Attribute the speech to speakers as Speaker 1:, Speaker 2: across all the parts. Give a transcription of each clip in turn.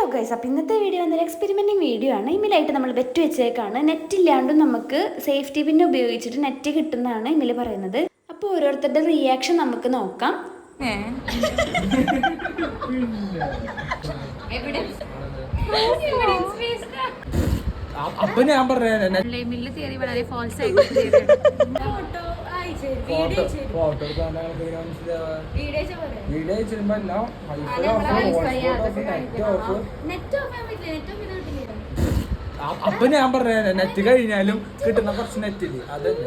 Speaker 1: Guys, അപ്പോൾ ഇന്നത്തെ video എന്നൊരു എക്സ്പെരിമെൻറ്റിങ് വീഡിയോ ആണ്. ഇമെയിലായിട്ട് നമ്മൾ ബെറ്റ് വെച്ചേക്കാണ്. നെറ്റ് ഇല്ലാണ്ടും നമുക്ക് സേഫ്റ്റി പിൻ ഉപയോഗിച്ചിട്ട് നെറ്റ് കിട്ടുന്നതാണ് ഇമെയിൽ പറയുന്നത്. അപ്പോൾ ഓരോരുത്തരുടെ റിയാക്ഷൻ നമുക്ക് നോക്കാം.
Speaker 2: അപ്പൊ ഞാൻ പറഞ്ഞ
Speaker 3: തിയറി വളരെ ഫാൾസ് ആയിട്ട്
Speaker 2: ഫോട്ടോ വീഡിയോ ചെയ്യുമ്പോ എല്ലാം അപ്പൊ ഞാൻ പറഞ്ഞ നെറ്റ് കഴിഞ്ഞാലും കിട്ടുന്ന കുറച്ച് നെറ്റ് ഇല്ലേ അതല്ലേ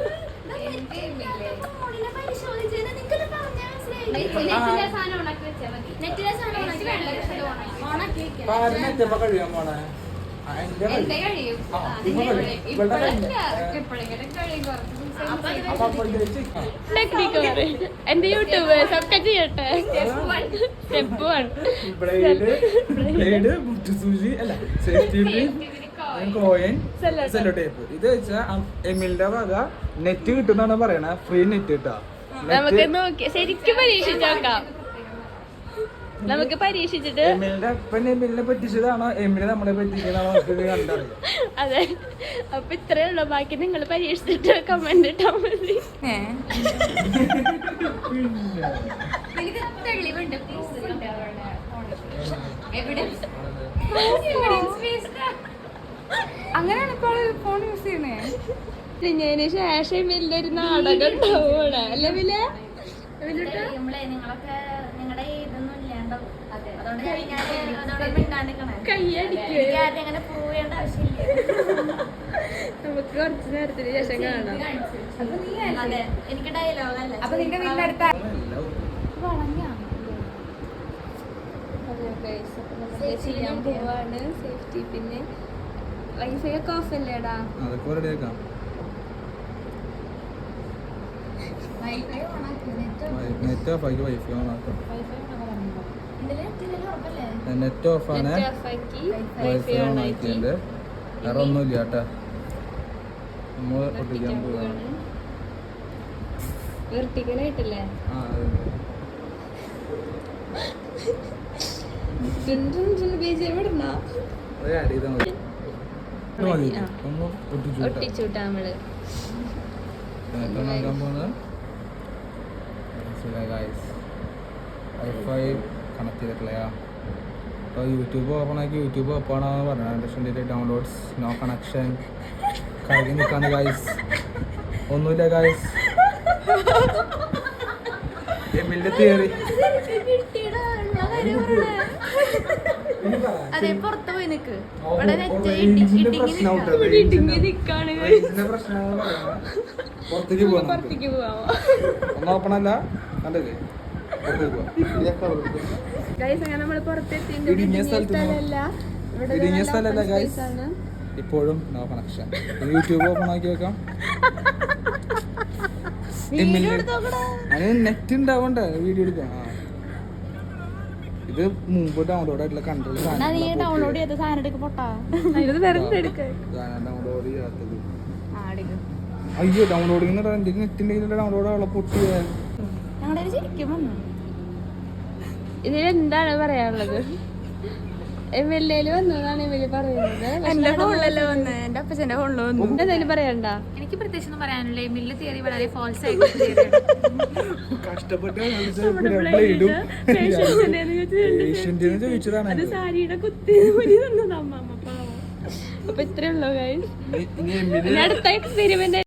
Speaker 2: നെറ്റ് എപ്പോ കഴിയാൻ പോണേ
Speaker 3: എന്റെ യൂട്യൂബേഴ്സ് ഒക്കെ ചെയ്യട്ടെ. സ്റ്റെപ്പ് 1
Speaker 2: മുട്ടുസൂചി അല്ല സേഫ്റ്റി കോയിൻ സെല്ലോ ടേപ്പ്. ഇത് വെച്ചാ എമിലിന്റെ വക നെറ്റ് കിട്ടുന്നാണ് പറയണ. ഫ്രീ നെറ്റ് കിട്ടാ.
Speaker 3: നമുക്ക് നോക്കി ശരിക്കും പരീക്ഷിച്ച് നോക്കാം. നമുക്ക് പരീക്ഷിച്ചിട്ട്
Speaker 2: എമിലിന്റെ അപ്പൻ എമിലിനെ പറ്റിച്ചതാണോ എമില് നമ്മളെ പറ്റിക്കണോ കണ്ടറിയാം.
Speaker 3: അതെ, അപ്പൊ ഇത്രേ ഉള്ളൂ. ബാക്കി നിങ്ങൾ പരീക്ഷിച്ചിട്ട് കമന്റ് ഇട്ടാ മതി.
Speaker 4: അങ്ങനെയാണ് ഇപ്പോൾ ഫോൺ യൂസ് ചെയ്യണേ.
Speaker 3: ഞാൻ ശേഷം വലിയൊരു നാടകം ഉണ്ടാവുകയാണ് അല്ലേ വില നമുക്ക് കുറച്ച് നേരത്തിന് ശേഷം കാണാം.
Speaker 4: എനിക്ക് ഡയലോഗ് അല്ല. അപ്പൊ നിന്റെ വീടിന്റെ അടുത്ത
Speaker 3: ചെയ്യാൻ പോവാണ്. സേഫ്റ്റി പിന്നെ വൈഫൈ ഒക്കെ ഓഫ് അല്ലേടാ?
Speaker 2: നെറ്റ് ഓഫ് ആക്കി വൈഫൈ ഓൺ ആക്കാം. നെറ്റ് ഓഫ് ആണ്, വൈഫൈ ഓൺ ആക്കിയിട്ടുണ്ട്. വേറെ ഒന്നുമില്ല കേട്ടാ. നമ്മൾ ഒട്ടിക്കാൻ പോവാണ്.
Speaker 3: വെർട്ടിക്കലായിട്ടല്ലേ? ഒട്ടിച്ചുട്ടാ നമ്മള്
Speaker 2: വൈഫൈ കണക്ട് ചെയ്തിട്ടില്ല. അപ്പോൾ യൂട്യൂബ് ഓപ്പൺ ആക്കി യൂട്യൂബ് ഓപ്പൺ ആണെന്ന് പറഞ്ഞു. ഡൗൺലോഡ്സ് നോ കണക്ഷൻ കഴുകി നിൽക്കാണ് ഗൈസ്. ഒന്നുമില്ല ഗൈസ്. എമിലിന്റെ തിയറി
Speaker 4: അതെ, പുറത്ത് പോയി നിക്ക്.
Speaker 2: പുറത്തേക്ക് പോവാം. ഒന്നും ഓപ്പൺ അല്ല കണ്ടല്ലേ. ഇടുങ്ങിയ സ്ഥലല്ല ഗൈസ്. ഇപ്പോഴും നോ കണക്ഷൻ. യൂട്യൂബ് ഓപ്പൺ ആക്കി വെക്കാം. നെറ്റ് ഉണ്ടാവണ്ട വീഡിയോ എടുക്കാം. ഇത് മുമ്പ് ഡൗൺലോഡ് ആയിട്ടുള്ള കൺട്രോൾ
Speaker 4: ഡൗൺലോഡ് ചെയ്ത സാധനം എടുക്ക പൊട്ടാ.
Speaker 2: ഡൗൺലോഡ് ചെയ്യാത്തത്. അയ്യോ ഡൗൺലോഡിങ് നെറ്റിന്റെ ഡൗൺലോഡ് ആവുള്ള പൊട്ടിയ
Speaker 4: ഞങ്ങളുടെ ശരിക്കും വന്നു.
Speaker 3: ഇതിലെന്താണ് പറയാനുള്ളത്? എംഎൽഎയിൽ വന്നതാണ് എംഎൽഎ പറയുന്നത്.
Speaker 4: എന്റെ ഫോണിലല്ലേ വന്ന്, എന്റെ അപ്പച്ചന്റെ ഫോണിൽ വന്നു.
Speaker 3: എന്തായാലും പറയണ്ട.
Speaker 4: എനിക്ക് പ്രത്യേകിച്ച് ഒന്നും പറയാനില്ല. എമിലിന്റെ തിയറി വളരെ ഫാൾസ് ആയിട്ട്
Speaker 2: ചോദിച്ചതാണ്.
Speaker 3: അത് സാരിയുടെ കുത്തി അമ്മ പാവം. അപ്പൊ ഇത്രേ ഉള്ളൂ ഗൈസ്. അടുത്ത എക്സ്പെരിമെന്റ്